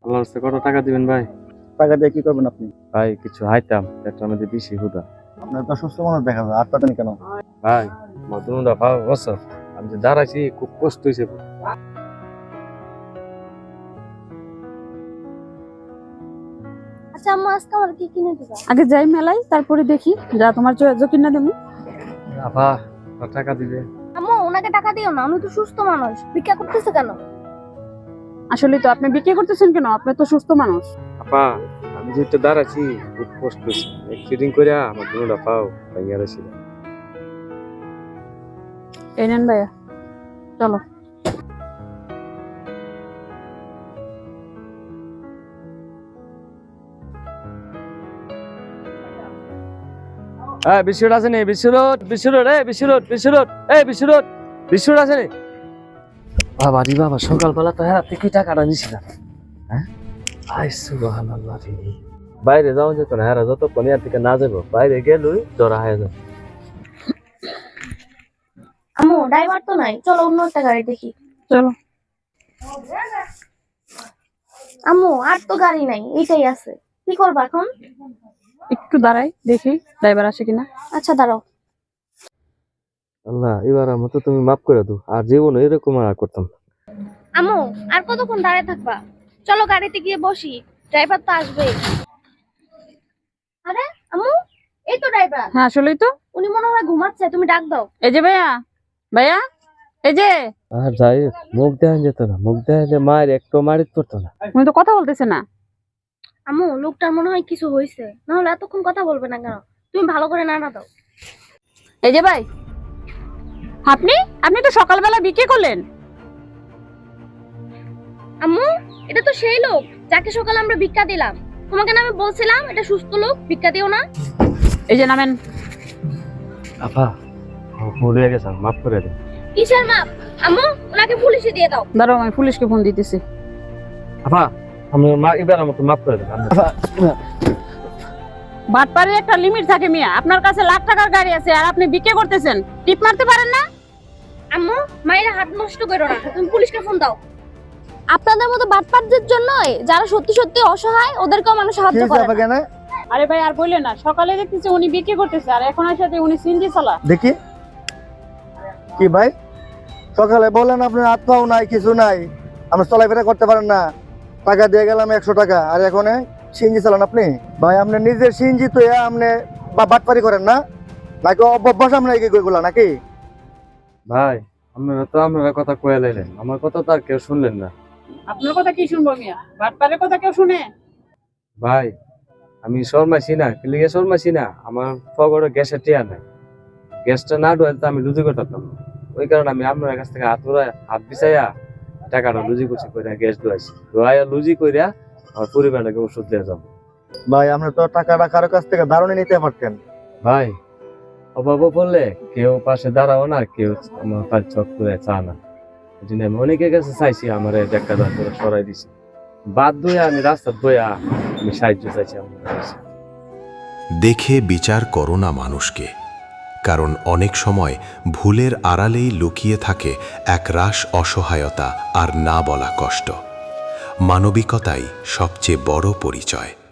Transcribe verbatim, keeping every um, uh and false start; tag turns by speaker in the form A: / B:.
A: আল্লাহর রাস্তায় কত টাকা দিবেন ভাই?
B: টাকা দিয়ে কি করবেন আপনি?
A: ভাই কিছু হাইতাম, পেটটার মধ্যে বেশি হুদা।
B: আপনার তো সুস্থ মানুষ দেখা যায়, আর পাতেন কেন?
A: ভাই মধুমটা ভাব বস, আমি যে দাঁড়াইছি খুব কষ্ট হয়েছে।
C: আচ্ছা আম্মা, আজকে আমার কি কিনে দিবা?
D: আগে যাই মেলায়, তারপরে দেখি যা তোমার চয়েস কিনা দেবো।
A: আপা টাকা দিবে?
C: আম্মু, ওনাকে টাকা দিও না, উনি তো সুস্থ মানুষ, ভিক্ষা করতেছে কেন?
D: আসলে তো আপনি বিক্রি করতেছেন কেন? আপনি তো সুস্থ মানুষ।
A: আপা আমি যেটা দাঁড়াইছি খুব কষ্ট হয়েছে, ফিটিং করে আমার দুটা পাও ভাইয়া ছিল।
D: এই নেন ভাইয়া, চলো।
A: হ্যাঁ বিশ্বরোড আছে নি? বিশ্বরোড বিশ্বরোড এই বিশ্বরোড বিশ্বরোড এই বিশ্বরোড বিশ্বরোড আছে নি? বাবা রে বাবা, সকালবেলা তো হ্যাঁ থেকে টাকাটা নিছি না। হ্যাঁ আই সুবহানাল্লাহ রে, বাইরে যাও যেত না, হ্যাঁ যতক্ষণ এর থেকে না যাবো বাইরে গেলই জরা হয়ে যাবে।
C: আম্মু, ড্রাইভার তো নাই, চলো অন্য একটা গাড়ি দেখি।
D: চলো।
C: আম্মু, আর তো গাড়ি নাই, এইটাই আছে, কি করবা এখন?
D: একটু দাঁড়াই দেখি ড্রাইভার আসে কিনা।
C: আচ্ছা দাঁড়াও।
A: আল্লাহ এবার মতো তুমি মাফ করে দাও, আর জীবনে এরকম আর করতাম।
C: আম্মু, আর কতক্ষণ দাঁড়িয়ে থাকবা? চলো গাড়িতে গিয়ে বসি, ড্রাইভার তো আসবে। আরে আম্মু, এই তো ড্রাইভার।
D: হ্যাঁ আসলেই তো,
C: উনি মনে হয় ঘুমাচ্ছে, তুমি ডাক দাও।
D: এই যে ভাইয়া, ভাইয়া এই যে।
A: আর যাই মুখ দেখা যেত না, মুখ দেখালে মায়ের একটু মারিত করতো না।
D: উনি তো কথা বলতেছে না।
C: আম্মু, লোকটার মনে হয় কিছু হয়েছে, না হলে এতক্ষণ কথা বলবে না কেন? তুমি ভালো করে নাড়া দাও।
D: এই যে ভাই, আপনি আপনি তো সকালবেলা বিক্রি করলেন।
C: আম্মু, এটা তো সেই লোক যাকে সকালে আমরা ভিক্ষা দিলাম। তোমাকে না আমি বলছিলাম এটা সুস্থ লোক, ভিক্ষা দিও না।
D: এই যে নামেন।
A: আপা ভুল হয়ে গেছে, মাফ করে দেন।
C: কিসের মাপ? আম্মু, ওনাকে পুলিশে দিয়ে দাও।
D: দাঁড়াও, আমি পুলিশকে ফোন দিতেছি।
A: আপা আমি এবার মতো মাফ করে দেন।
D: বাটপাড়ের একটা লিমিট থাকে মিয়া, আপনার কাছে লাখ টাকার গাড়ি আছে আর আপনি বিক্রি করতেছেন, টিপ মারতে পারেন না?
C: আম্মু, মায়ের হাত নষ্ট করো না, তুমি পুলিশকে ফোন দাও। আপনাদের মতো বাটপারদের জন্য যারা সত্যি সত্যি অসহায় ওদেরকেও মানুষ সাহায্য করে না।
D: আরে ভাই আর বললেন না, সকালে দেখতেছি উনি বিক্রি করতেছে আর এখন এর সাথে উনি সিনজি চালা।
B: দেখি কি ভাই, সকালে বলেন আপনার হাত পাও নাই, কিছু নাই, আপনি চলাফেরা করতে পারেন না, টাকা দিয়ে গেলাম একশো টাকা, আর এখন সিএনজি চালান আপনি? ভাই আপনি নিজের সিএনজি তো আপনি বাটপারি করেন না নাকি অভ্যাস আপনার এগুলা নাকি?
A: ভাই আপনারা তো আপনারা কথা কয়ে লাইলেন, আমার কথা তো আর কেউ শুনলেন না।
D: আপনার কথা কি শুনবো মিয়া? বাটপাড়ের কথা কেউ শুনে?
A: ভাই আমি শর্মাইছি না, ক্লিগে শর্মাইছি না, আমার পকেটে গ্যাসের টিয়া নাই, গ্যাসটা না ঢুকে তো আমি লুজি করতাম না। ওই কারণে আমি আপনার কাছ থেকে হাত ধরে হাত বিছাইয়া টাকাটা লুজি কুচি করে গ্যাস ধোয়াইছি, ধোয়াইয়া লুজি কইরা আমার পরিবারটাকে ওষুধ দিয়ে যাবো।
B: ভাই আপনি তো টাকাটা কারো কাছ থেকে দারুণে নিতে পারতেন।
A: ভাই অভাব পড়লে কেউ পাশে দাঁড়াও না, কেউ আমার কাজ চক করে চা না, এই জন্য আমি অনেকের কাছে চাইছি, আমার দেখা দাঁড় করে সরাই দিছি, বাদ ধুয়ে আমি রাস্তা ধুয়া আমি সাহায্য চাইছি আমার কাছে।
E: দেখে বিচার করো না মানুষকে, কারণ অনেক সময় ভুলের আড়ালেই লুকিয়ে থাকে এক রাশ অসহায়তা আর না বলা কষ্ট। মানবিকতাই সবচেয়ে বড় পরিচয়।